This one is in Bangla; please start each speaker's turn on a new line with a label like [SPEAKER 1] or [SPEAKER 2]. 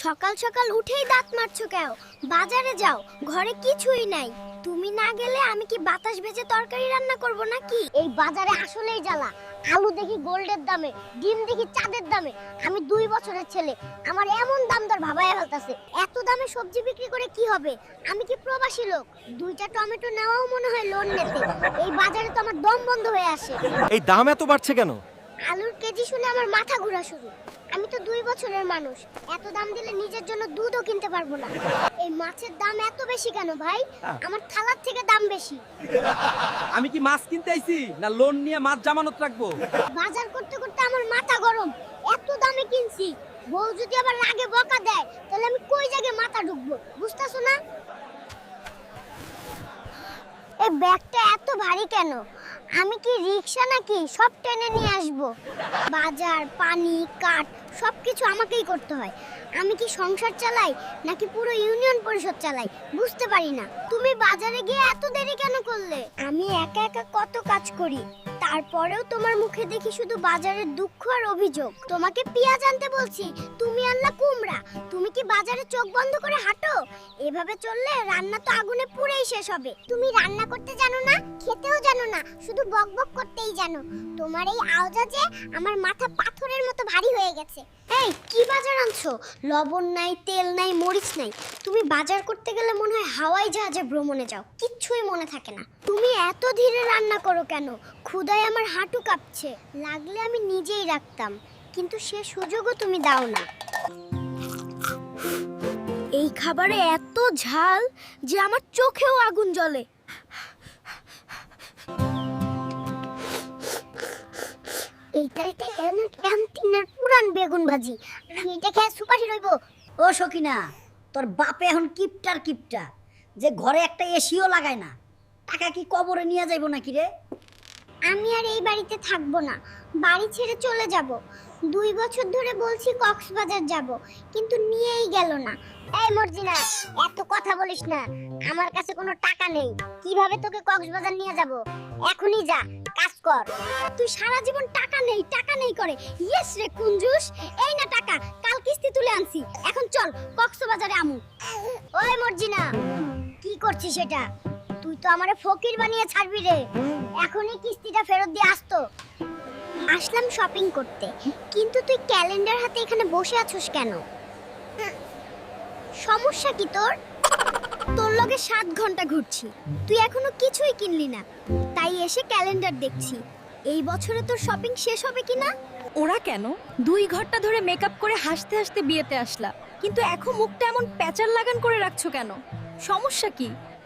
[SPEAKER 1] সকাল সকাল উঠেই দাঁত মারছো কেন? বাজারে যাও, ঘরে কিছুই নাই। তুমি না গেলে আমি কি বাতাস ভেজে তরকারি রান্না করব নাকি? এই বাজারে আসলেই জ্বালা। আলু দেখি গোল্ডের দামে, ডিম দেখি চাঁদের দামে। আমি 2 বছরের ছেলে, আমার এমন দাম দর ভাবায় ফেলতাছে। এত দামে সবজি বিক্রি করে কি হবে? আমি কি প্রবাসী লোক? 2টা টমেটো নেওয়াও মনে হয় লোন নিতে। এই বাজারে তো আমার দম বন্ধ হয়ে আসে।
[SPEAKER 2] এই দাম এত বাড়ছে কেন?
[SPEAKER 1] আলুর কেজি শুনে আমার মাথা ঘোরা শুরু। আমি তো 2 বছরের মানুষ, এত দাম দিলে নিজের জন্য দুধও কিনতে পারবো না। এই মাছের দাম এত বেশি কেন ভাই? আমার থালার থেকে দাম বেশি।
[SPEAKER 3] আমি কি মাছ কিনতে আইছি না লোন নিয়ে মাছ জামানত রাখবো?
[SPEAKER 1] বাজার করতে করতে আমার মাথা গরম। এত দামে কিনছি, বউ যদি আবার রাগে বকা দেয় তাহলে আমি কই জায়গায় মাথা ঢুকবো, বুঝতাছো না? এই ব্যাগটা এত ভারী কেন? আমি কি রিকশা নাকি সব টেনে নিয়ে আসবো? বাজার, পানি, কাঠ সবকিছু আমাকেই করতে হয়। আমি কি সংসার চালাই নাকি পুরো ইউনিয়ন পরিষদ চালাই বুঝতে পারি না। তুমি বাজারে গিয়ে এত দেরি কেন করলে? আমি একা একা কত কাজ করি, তারপরেও তোমার মুখে দেখি শুধু বাজারের দুঃখ আর অভিযোগ। তোমাকে পেঁয়াজ আনতে বলছি, তুমি আনলা কুমড়া। তুমি কি বাজারে চোখ বন্ধ করে হাঁটো? এভাবে চললে রান্না তো আগুনে পুড়েই শেষ হবে। তুমি রান্না করতে জানো না, খেতেও জানো না, শুধু বকবক করতেই জানো। তোমার এই আওয়াজে আমার মাথা পাথরের মতো ভারী হয়ে গেছে। এই কি বাজার আনছো? লবণ নাই, তেল নাই, মরিচ নাই। তুমি বাজার করতে গেলে মনে হয় হাওয়াই জাহাজে ভ্রমণে যাও, কিচ্ছুই মনে থাকে না। তুমি এত ধীরে রান্না করো কেন? ক্ষুধায় আমার হাঁটু কাঁপছে। লাগলে আমি নিজেই রাখতাম, কিন্তু সে সুযোগও তুমি দাও না। এই খাবারে এত ঝাল যে আমার চোখেও আগুন জ্বলে। এইটাই ক্যান্টিনের পুরান বেগুন ভাজি। আমি এটা খেয়ে সুপারি রইব।
[SPEAKER 4] ও সকিনা, তোর বাপে এখন কিপটার কিপটা, যে ঘরে একটা এসিও লাগায় না। টাকা কি কবরে নিয়ে যাইবো নাকি রে?
[SPEAKER 1] আমি আর এই বাড়িতে থাকবো না, বাড়ি ছেড়ে চলে যাব। 2 বছর ধরে বলছি কক্সবাজার যাব, কিন্তু নিয়েই গেল না। এই মর্জিনা, এত কথা বলিস না। আমার কাছে কোনো টাকা নেই, কিভাবে তোকে কক্সবাজার নিয়ে যাব? এখনই যা, কাজ কর। তুই সারা জীবন টাকা নেই করে। ইয়েস রে কুঞ্জুস, এই না টাকা, কাল কিস্তি তুলে আনছি। এখন চল কক্সবাজারে আমু। ওই মর্জিনা, কি করছিস এটা? তুই তো আমারে ফকির বানিয়ে ছাড়বি রে। এখনই কিস্তিটা ফেরত দিয়ে আসতো। আসলাম শপিং করতে, কিন্তু তুই ক্যালেন্ডার হাতে এখানে বসে আছিস কেন? সমস্যা কি তোর? তোর লগে 7 ঘন্টা ঘুরছি, তুই এখনো কিছুই কিনলি না, তাই এসে ক্যালেন্ডার দেখছি। এই বছরে তোর শপিং শেষ হবে কিনা?
[SPEAKER 5] ওরা কেন 2 ঘন্টা ধরে মেকআপ করে হাসতে হাসতে বিয়েতে আসলা, কিন্তু এখন মুখটা এমন প্যাচার লাগান করে রাখছো কেন? সমস্যা কি?